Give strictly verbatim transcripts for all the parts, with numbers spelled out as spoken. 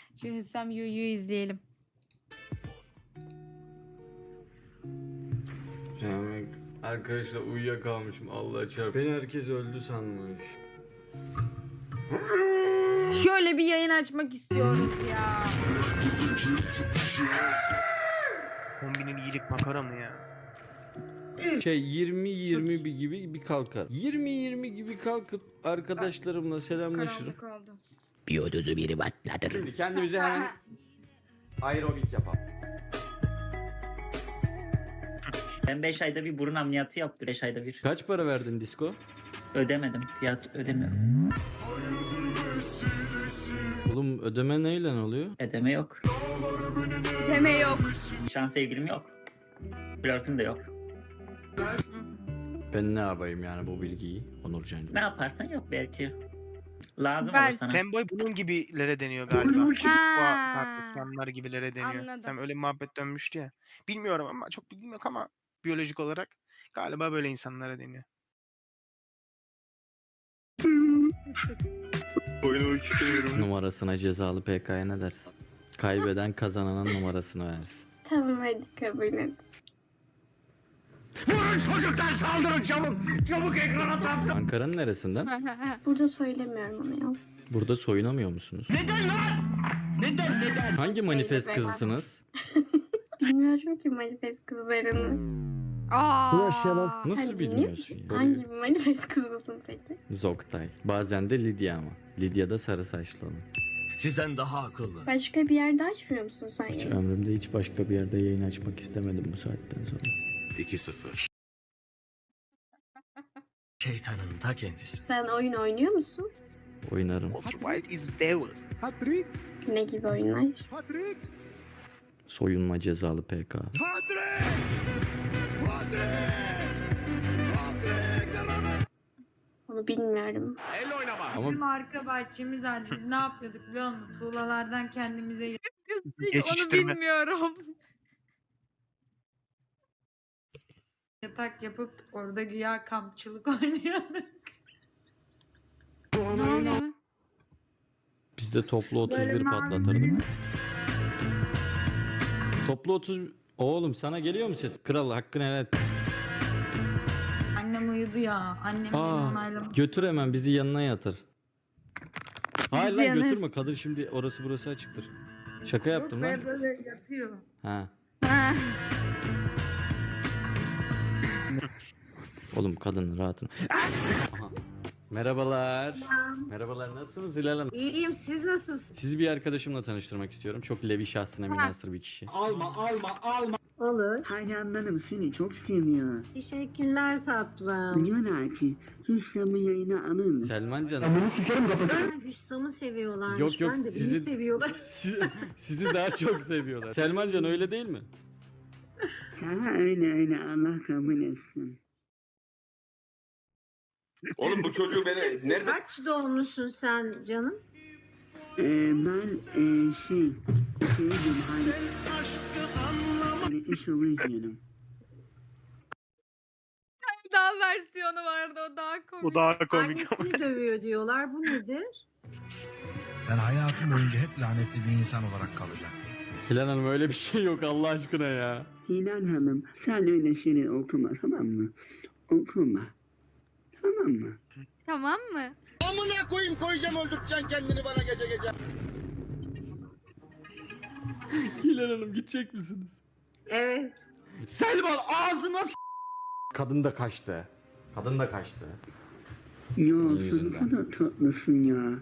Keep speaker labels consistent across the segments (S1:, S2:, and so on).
S1: Şu Hüsam Yu'yu izleyelim.
S2: Yani arkadaşlar uyuyakalmışım Allah çarpsın. Beni herkes öldü sanmış.
S1: Şöyle bir yayın açmak istiyoruz ya.
S3: Kombinin iyilik makara mı ya?
S2: Şey yirmi yirmi bir gibi bir kalkar. yirmi yirmi gibi kalkıp arkadaşlarımla selamlaşırım.
S1: Karanlık oldu.
S4: Biyodozu biri patlatır.
S2: Şimdi kendimize hemen aerobik yapalım.
S4: Ben beş ayda bir burun ameliyatı yaptım. beş ayda bir.
S2: Kaç para verdin disko?
S4: Ödemedim. Fiyat ödemiyorum.
S2: Oğlum ödeme neyle oluyor?
S4: Ödeme yok.
S1: Deme yok.
S4: Şu an sevgilim yok. Flörtüm de yok.
S2: Ben ne yapayım yani bu bilgiyi Onurcancığım?
S4: Ne yaparsan yap belki. Lazım
S1: Belki.
S4: olur sana.
S3: Fanboy bunun gibilere deniyor galiba.
S1: Ha.
S3: Tartışanlar gibilere deniyor.
S1: Anladım.
S3: Sen öyle bir muhabbet dönmüştü ya. Bilmiyorum ama çok bilgim yok ama biyolojik olarak galiba böyle insanlara deniyor. Oynamak istemiyorum.
S2: Numarasına cezalı P K'ya ne dersin? Kaybeden kazananın numarasını versin.
S5: Tamam hadi kabul et.
S2: Ankara'nın neresinden?
S5: Burada söylemiyorum onu ya.
S2: Burada soyunamıyor musunuz? Neden lan? Neden neden? Hangi manifest
S5: Söyle be.
S2: kızısınız?
S5: Bilmiyorum ki manifest kızlarını.
S1: Aa.
S2: Nasıl
S5: Sen dinliyor
S2: bilmiyorsun?
S5: musun?
S2: ya?
S5: Hangi bir manifest kızısın peki?
S2: Zoktay. Bazen de Lidya ama. Lidya da sarı saçlı olan.
S6: Sizden daha akıllı.
S5: Başka bir yerde açmıyor musun sen
S2: Hiç
S5: ya?
S2: ömrümde hiç başka bir yerde yayın açmak istemedim bu saatten sonra.
S6: iki sıfır. Şeytanın ta kendisi.
S5: Sen oyun oynuyor musun?
S2: Oynarım.
S3: Walter White is devil.
S5: Ne gibi oyunlar?
S2: Soyunma cezalı P K.
S5: Onu bilmiyorum.
S2: Ama
S7: Bizim arka bahçemiz vardı. Biz ne yapıyorduk biliyor musun? Tuğlalardan kendimize
S1: Onu
S3: Geçiştirme.
S1: bilmiyorum.
S7: yatak yapıp orada güya kampçılık oynuyorduk.
S1: Ne oluyor?
S2: biz de toplu otuz
S7: Böyle
S2: bir patlatırdık. Toplu otuz... Oğlum sana geliyor mu ses? Kral hakkını helal et.
S7: Annem uyudu ya. Annem beni
S2: Aa,
S7: onaylamadı.
S2: götür hemen bizi yanına yatır. Hayır lan
S1: yanına-
S2: götürme. Kadın şimdi orası burası açıktır. Şaka yaptım lan.
S7: Böyle böyle yatıyor.
S2: Ha.
S1: Ha.
S2: Oğlum kadın rahatın. Aha. Merhabalar. Merhabalar nasılsınız Hilal Hanım?
S7: İyiyim, siz nasılsınız?
S2: Sizi bir arkadaşımla tanıştırmak istiyorum. Çok levi şahsına münhasır bir kişi.
S7: Olur.
S8: Hayranlarım seni çok seviyor.
S7: Teşekkürler tatlım.
S8: Diyorlar ki Hüsam'ı yayına alın.
S2: Selman canım.
S7: Hüsam'ı seviyorlarmış.
S2: Yok yok
S7: ben de beni
S2: sizi,
S7: seviyorlar.
S2: si- sizi daha çok seviyorlar. Selman can öyle değil mi?
S8: Ha öyle öyle Allah kabul etsin.
S9: Oğlum bu çocuğu beni nerede
S7: Kaç doğumlusun sen canım?
S8: Ee, ben e, şey şeydim hani hani iş izliyorum.
S1: Daha versiyonu vardı o daha komik.
S3: Bu daha komik.
S7: Annesini dövüyor diyorlar. Bu nedir?
S6: Ben hayatım boyunca hep lanetli bir insan olarak kalacağım.
S2: Hilal Hanım öyle bir şey yok Allah aşkına ya.
S8: Hilal Hanım sen öyle şeyler okuma tamam mı? Okuma. Tamam mı?
S1: Tamam mı?
S9: amına koyayım koyacağım öldüreceksin kendini bana gece gece.
S2: Hilal Hanım gidecek misiniz?
S7: Evet.
S2: Selman ağzına s- Kadın da kaçtı. Kadın da kaçtı.
S8: Ya sen ne
S2: yüzünden.
S8: kadar tatlısın ya.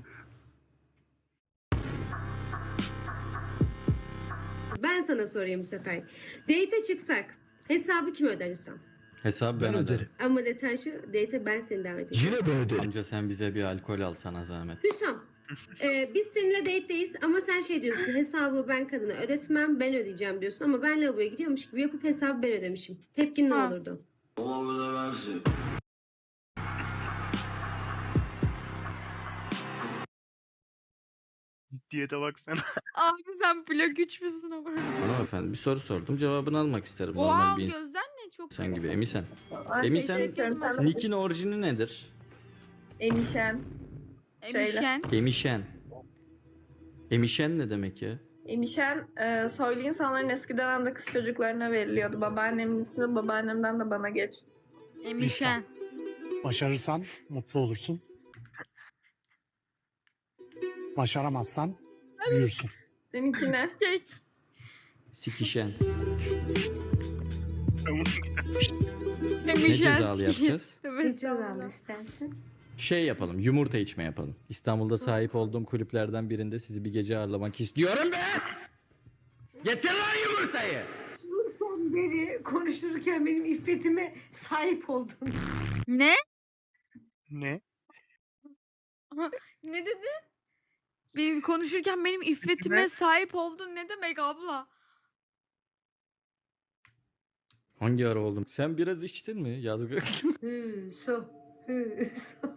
S10: Ben sana sorayım bu sefer. Date'e çıksak hesabı kim öder Hüsam?
S2: Hesabı ben,
S6: Ben
S2: öderim.
S6: öderim.
S10: Ama detay şu, date'e ben seni davet edeceğim.
S6: Yine ben öderim.
S2: Amca sen bize bir alkol al sana zahmet.
S10: Hüsam, e, biz seninle date'deyiz ama sen şey diyorsun, hesabı ben kadına ödetmem, ben ödeyeceğim diyorsun. Ama ben lavaboya gidiyormuş gibi yapıp hesabı ben ödemişim. Tepkin ne
S1: Ha.
S10: olurdu?
S3: Diyete baksana.
S1: Abi sen plak üç müsün ama?
S2: Hanımefendi bir soru sordum cevabını almak isterim.
S1: Oha
S2: Normal bir
S1: gözler ne çok
S2: insan gibi. Emisen. Emisen
S1: ederim.
S2: Nick'in orijini nedir?
S5: Emişen.
S1: Emişen.
S2: Emişen. Emişen ne demek ya?
S11: Emişen e, soylu insanların eski dönemde kız çocuklarına veriliyordu. Babaannemin ismi babaannemden de bana geçti.
S1: Emişen.
S6: Başarırsan mutlu olursun. Başaramazsan büyürsün.
S11: Seninki ne?
S1: Kek.
S2: Sikişen. Ne
S1: Emişen.
S2: cezalı yapacağız?
S1: Evet.
S10: Cezalı istersin.
S2: Şey yapalım, yumurta içme yapalım. İstanbul'da sahip olduğum kulüplerden birinde sizi bir gece ağırlamak istiyorum be! Getir lan yumurtayı!
S7: Son beri konuşurken benim iffetime sahip oldun.
S1: Ne?
S3: Ne?
S1: Ne dedi? Benim konuşurken benim iffetime
S3: Ne?
S1: sahip oldun ne demek abla?
S2: Hangi ara oldum? Sen biraz içtin mi Yazgı?
S7: Hü, so, hü, so.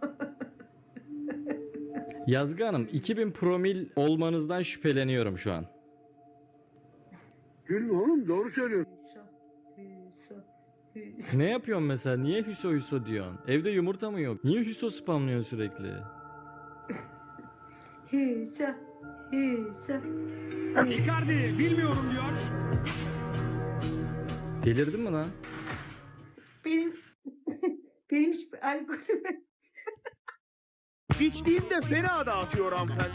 S2: Yazgı Hanım, iki bin promil olmanızdan şüpheleniyorum şu an.
S6: Gülme oğlum, doğru söylüyorsun.
S7: Hü, so, hü, so.
S2: Ne yapıyorsun mesela? Niye Hüso Hüso diyorsun? Evde yumurta mı yok? Niye Hüso spamlıyorsun sürekli?
S7: Hü, so, hü, so.
S3: Icardi bilmiyorum diyor.
S2: Delirdin mi lan?
S7: Benim benim hiç alkolüme
S3: İçtiğinde fena dağıtıyor hanımefendi.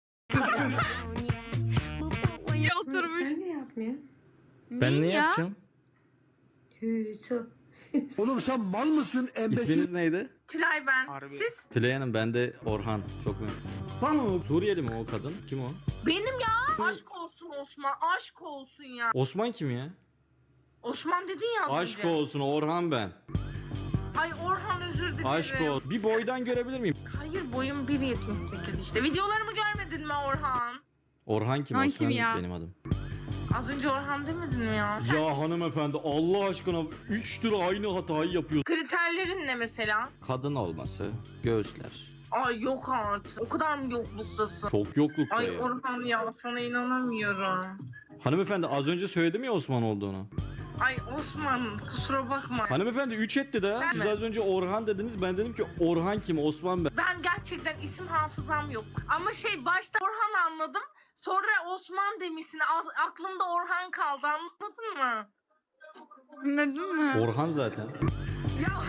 S1: İyi oturmuş.
S7: sen de yapmıyor.
S2: Ben ne
S1: ya?
S2: yapacağım?
S7: Hü, so.
S6: Oğlum sen mal mısın embesil?
S2: İsminiz neydi?
S11: Tülay ben.
S3: Harbi.
S11: Siz?
S2: Tülay Hanım, ben de Orhan. Çok memnun. Suriyeli mi o kadın? Kim o?
S11: Benim ya. Aşk olsun Osman. Aşk olsun ya.
S2: Osman kim ya?
S11: Osman dedin ya az
S2: Aşk
S11: önce.
S2: olsun Orhan ben.
S11: Ay Orhan özür dilerim.
S2: Aşk olsun. Bir boydan görebilir miyim?
S11: Hayır boyum bir yetmiş sekiz işte. Videolarımı görmedin mi Orhan?
S2: Orhan kim?
S1: Orhan
S2: Osman
S1: kim ya?
S2: benim adım.
S11: Az önce Orhan demedin mi ya?
S2: Ya hanımefendi, Allah aşkına üç tür aynı hatayı yapıyor.
S11: Kriterlerin ne mesela?
S2: Kadın olması, göğüsler.
S11: Ay yok artık. O kadar mı yokluktasın?
S2: Çok yoklukta
S11: Ay
S2: ya.
S11: Orhan ya sana inanamıyorum.
S2: Hanımefendi az önce söyledim ya Osman olduğunu.
S11: Ay Osman kusura bakma.
S2: Hanımefendi üç etti de.
S11: Ben
S2: Siz
S11: mi?
S2: az önce Orhan dediniz. Ben dedim ki Orhan kim? Osman ben.
S11: Ben gerçekten isim hafızam yok. Ama şey başta Orhan anladım. Sonra Osman demişsin. Az- aklımda Orhan kaldı anladın mı?
S1: Anladın mı?
S2: Orhan zaten.
S11: Ya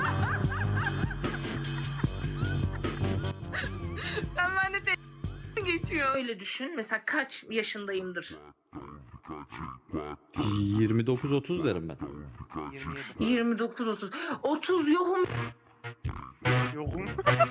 S11: sen bende de geçiyor. Öyle düşün. Mesela kaç yaşındayımdır?
S2: yirmi dokuz otuz derim ben.
S3: yirmi yedi.
S11: yirmi dokuz otuz. otuz yokum.
S3: Yokum.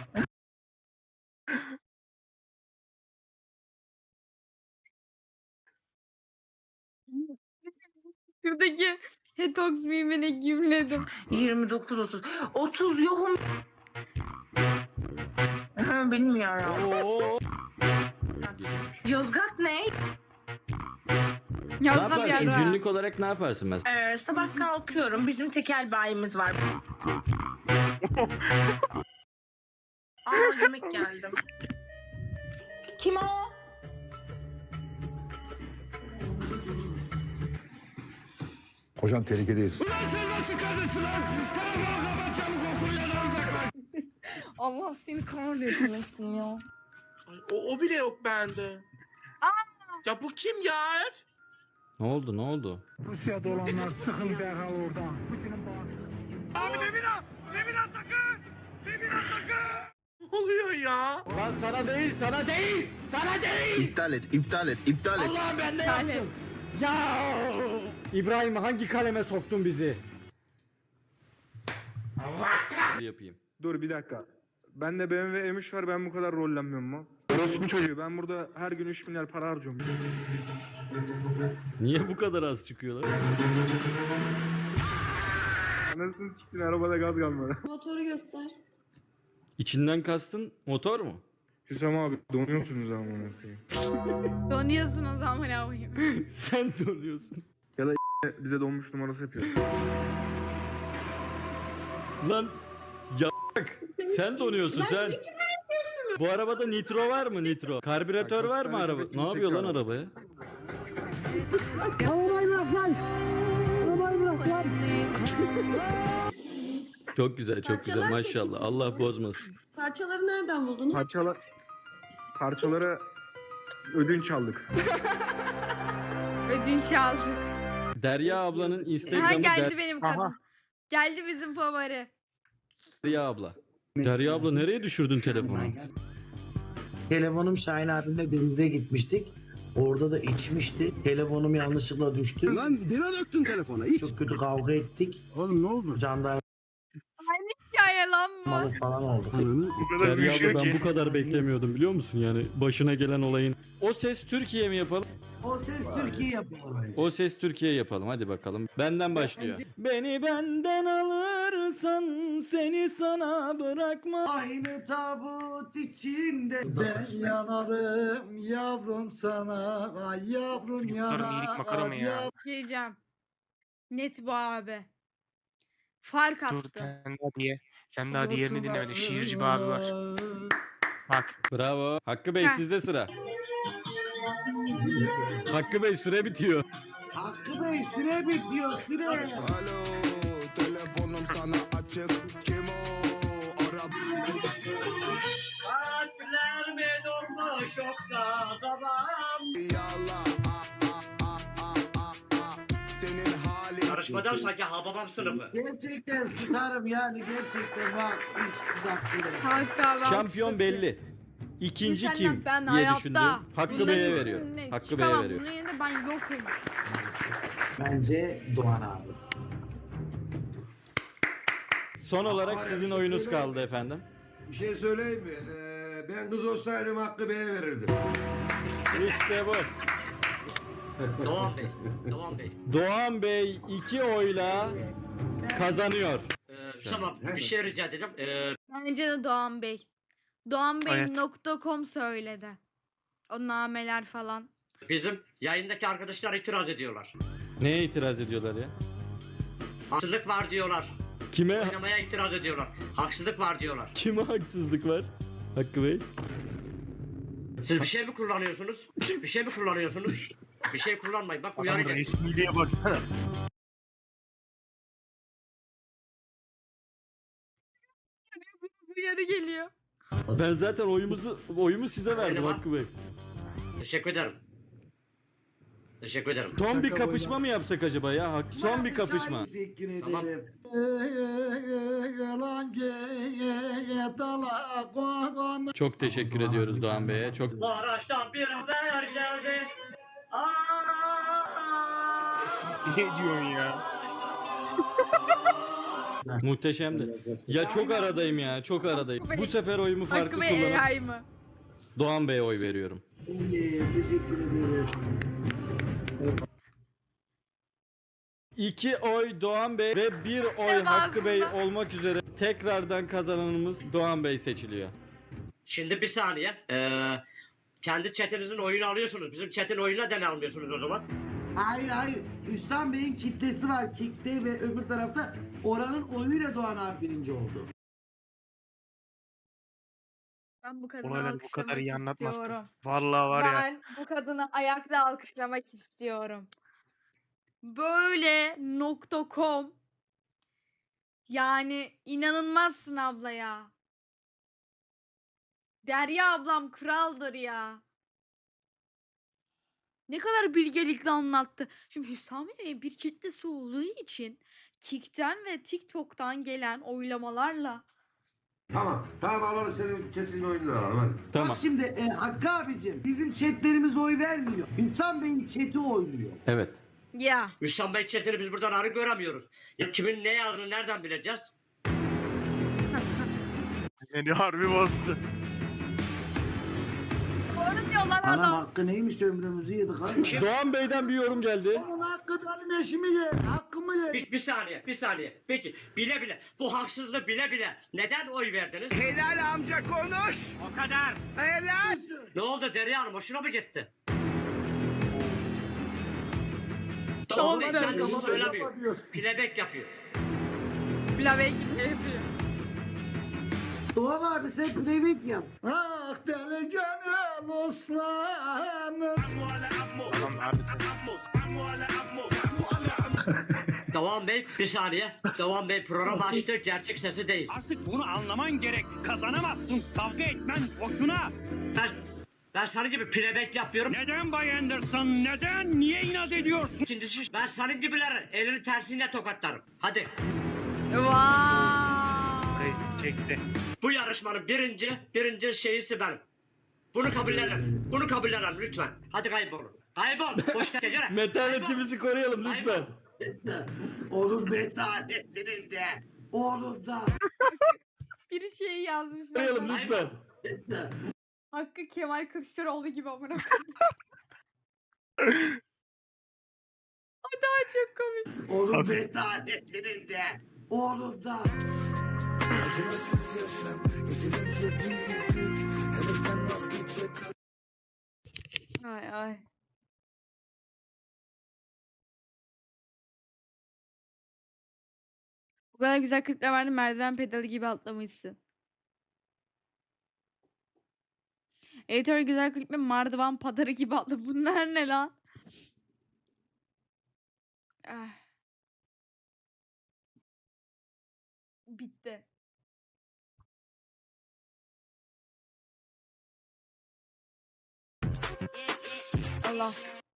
S1: Şuradaki Hetox mimine gümledim.
S11: yirmi dokuz otuz. otuz yokum. Ha, bilmiyorum.
S2: Oo.
S11: Yozgat ne?
S2: Ne
S1: Yazma bir
S2: yaparsın?
S1: ara.
S2: Günlük olarak ne yaparsın mesela?
S11: Ee, sabah kalkıyorum. Bizim tekel bayimiz var. Aa yemek geldi. Kim o?
S6: Hocam tehlikedeyiz.
S11: Allah seni kahretmesin ya.
S9: O, o bile yok bende. Ya bu kim ya?
S2: Ne oldu ne oldu?
S6: Rusya'da olanlar çıkın derhal oradan. Putin'in
S9: Abi Demira! Demira sakın! Demira sakın! Ne oluyor ya?
S2: Lan sana değil sana değil! Sana değil!
S9: İptal et, iptal et, iptal et.
S2: Allah ben de
S1: Yani
S2: yaptım. Ya! İbrahim hangi kaleme soktun bizi? Allah yapayım.
S12: Dur bir dakika. Ben de B M W M üç var, ben bu kadar rollenmiyorum mu? Orospu çocuğu, ben burada her gün üç milyar para harcıyorum.
S2: Niye bu kadar az çıkıyorlar?
S12: Anasını siktin, arabada gaz kalmadı.
S10: Motoru göster.
S2: İçinden kastın motor mu?
S12: Hüsam abi donuyorsunuz ama onu koyayım.
S1: donuyorsun o zaman ne yapayım?
S2: Sen donuyorsun.
S12: Bize donmuş numarası yapıyor.
S2: Lan ya sen donuyorsun sen. Bu arabada nitro var mı nitro? Karbüratör
S12: Bak,
S2: var mı
S12: hastanede
S2: araba?
S12: kimse
S2: Ne yapıyor lan
S12: kalmadı.
S2: arabaya? Çok güzel çok güzel
S10: Parçalar
S2: maşallah.
S10: peki.
S2: Allah bozmasın.
S10: Parçaları nereden buldunuz?
S12: Parçalar... Parçaları Ödünç aldık.
S1: Ödünç aldık.
S2: Derya ablanın
S1: Ha
S2: Instagram'ı
S1: geldi benim
S3: Aha.
S1: kadın. Geldi bizim favori.
S2: Derya abla. Derya abla nereye düşürdün telefonu?
S6: Telefonum Şahin abimle denize gitmiştik. Orada da içmişti. Telefonum yanlışlıkla düştü.
S9: Lan bira döktün telefona. İç.
S6: Çok kötü kavga ettik.
S9: Oğlum ne oldu?
S6: Jandarmalık
S1: Aynı hikaye lan bu.
S6: falan oldu.
S9: Ananı.
S3: Bu kadar
S2: Derya
S3: büyüşüyor
S2: abla ben
S3: ki.
S2: bu kadar beklemiyordum biliyor musun yani başına gelen olayın. O Ses Türkiye mi yapalım?
S6: O ses Türkiye yapıyor.
S2: O Ses Türkiye yapalım hadi bakalım. Benden başlıyor. Beni benden alırsan seni sana bırakma.
S6: Aynı tabut içinde ben yanarım yavrum sana. Ay yavrum
S3: Çocukların iyilik makarı mı ya?
S1: Diyeceğim. Net bu abi. Fark
S3: Dur
S1: attı.
S3: sen daha diye. Sen daha diğerini dinlemedin. Şiirci bir abi var. Bak.
S2: Bravo. Hakkı Bey
S1: Heh.
S2: sizde sıra. Hakkı Bey süre bitiyor.
S6: Hakkı Bey süre bitiyor süre.
S9: Alo telefonum sana açık. Kim o? Arap.
S4: Kalpler mi dolmuş yoksa babam?
S9: Yallah. Ah, ah, ah, ah, ah, ah. Senin halin.
S4: Karışmadan sanki hababam sınıfı.
S6: Gerçekten starım yani gerçekten bak. Hiç dakika.
S1: Hakkı abi
S2: Şampiyon
S1: alkışlasın.
S2: belli. İkinci
S1: Senden
S2: kim
S1: ben
S2: diye
S1: hayatta
S2: düşündüm. Hakkı
S1: bunların
S2: Bey'e
S1: üstüne
S2: veriyorum. Hakkı Bey'e
S1: çıkamam.
S2: veriyorum.
S1: Bunun yerinde ben yokum.
S6: Bence Doğan abi.
S2: Son olarak sizin oyunuz kaldı efendim.
S9: Bir şey söyleyeyim mi? Ee, ben kız olsaydım Hakkı Bey'e verirdim.
S2: İşte bu.
S4: Doğan Bey. Doğan Bey.
S2: Doğan Bey iki oyla kazanıyor.
S4: Ee, tamam bir şey rica edeceğim. Ee,
S1: Bence de Doğan Bey. Doğan
S3: Evet.
S1: Bey nokta com söyledi. O nameler falan.
S4: bizim yayındaki arkadaşlar itiraz ediyorlar.
S2: Neye itiraz ediyorlar ya?
S4: Haksızlık var diyorlar.
S2: Kime
S4: Oynamaya itiraz ediyorlar. Haksızlık var diyorlar.
S2: kime haksızlık var? Hakkı Bey.
S4: Siz bir şey mi kullanıyorsunuz? Bir şey mi kullanıyorsunuz? Bir şey kullanmayın. Bak
S3: Adamın
S4: uyaracak.
S3: resmiliğe baksana.
S1: Uyarı geliyor.
S2: Ben zaten oyumuzu oyumu size verdim
S4: Oynama.
S2: Hakkı Bey.
S4: Teşekkür ederim. Teşekkür ederim.
S2: Son bir kapışma mı yapsak acaba ya? Hak- Son bir kapışma.
S6: Teşekkür ederim.
S4: Tamam.
S2: Çok teşekkür ediyoruz Doğan Bey'e. Çok
S4: Maraş'tan bir haber geldi. Aa!
S3: Ne diyorsun ya?
S2: muhteşemdi. Ya çok aradayım ya. Çok aradayım. Bu sefer oyumu farklı
S1: Hakkı Bey
S2: kullanıp
S1: A I mı?
S2: Doğan Bey'e oy veriyorum.
S6: Teşekkür ederim.
S2: İki oy Doğan Bey ve bir oy
S1: Devamında.
S2: Hakkı Bey olmak üzere tekrardan kazananımız Doğan Bey seçiliyor.
S4: Şimdi bir saniye. Ee, kendi chatinizin oyunu alıyorsunuz. Bizim chatin oyununa neden almıyorsunuz o zaman?
S6: Hayır hayır. Hüsam Bey'in kitlesi var. Kitle ve öbür tarafta oranın oyuyla Doğan abi birinci oldu.
S1: Ben bu kadını
S3: Olayları bu kadar iyi
S1: alkışlamak
S3: anlatmazsın.
S1: istiyorum.
S3: Vallahi var ya.
S1: Ben bu kadını ayakta alkışlamak istiyorum. Böyle nokta com yani inanılmazsın abla ya. Derya ablam kraldır ya. Ne kadar bilgelikle anlattı. Şimdi Hüsami Bey bir kitlesi olduğu için Kik'ten ve TikTok'tan gelen oylamalarla
S9: Tamam. Tamam alalım senin chat'in oyununu alalım hadi.
S2: Tamam.
S6: Bak şimdi e, Hakkı abicim bizim chatlerimiz oy vermiyor. Hüsam Bey'in chati oynuyor.
S2: Evet.
S1: ya
S4: Hüsam Bey chatini biz buradan arı göremiyoruz. Ya kimin ne yazdığını nereden bileceğiz?
S3: Seni harbi bastı.
S1: doğru diyorlar
S6: Anam
S1: adam.
S6: hakkı neymiş ömrümüzü yedik abi.
S2: Doğan Bey'den bir yorum geldi.
S6: Onun hakkı benim eşimi ye. Hakkımı ye.
S4: Bir, bir saniye, bir saniye. Peki, bile bile, bu haksızlığı bile bile neden oy verdiniz?
S9: Helal amca konuş.
S4: O kadar.
S9: Helal.
S4: Ne oldu Derya Hanım, hoşuna mı gitti? Tamam,
S6: Kapat,
S4: kendisi
S6: kapat,
S4: söylemiyor.
S6: kapat diyor.
S4: Playback yapıyor.
S1: Plave gibi yapıyor.
S6: Doğan abi sen playback yap. Ah deli gönül oslanım.
S3: Adam harbi
S4: Devam Bey, bir saniye. Devam Bey program açtı, gerçek sesi değil.
S13: Artık bunu anlaman gerek. Kazanamazsın. Kavga etmen boşuna.
S4: Ben Ben senin gibi playback yapıyorum.
S9: Neden Bay Anderson? Neden? Niye inat ediyorsun?
S4: İkincisi ben senin gibileri elini tersiyle tokatlarım. Hadi.
S1: Vay.
S3: Reis çekti.
S4: Bu yarışmanın birinci, birinci şeyisi benim. Bunu kabullenin. Bunu kabullenin lütfen. Hadi kaybolun. Kaybol. Boş ver. Yürü.
S2: Metanetimizi koruyalım lütfen.
S6: Onun metanetinin de. Onun da.
S1: Bir şey yazmış.
S2: Koruyalım
S1: bak.
S2: lütfen.
S1: Hakkı Kemal Kılıçdaroğlu gibi amına koyayım. Ay daha çok komik.
S6: Onun metanetinin de. Onun da.
S1: Ay ay. Bu kadar güzel klipler vardı, merdiven pedalı gibi atlamışsın. Editör güzel klip mi? Mardivan padarı gibi atlı. Bunlar ne lan? Ah. Bitti. Allah.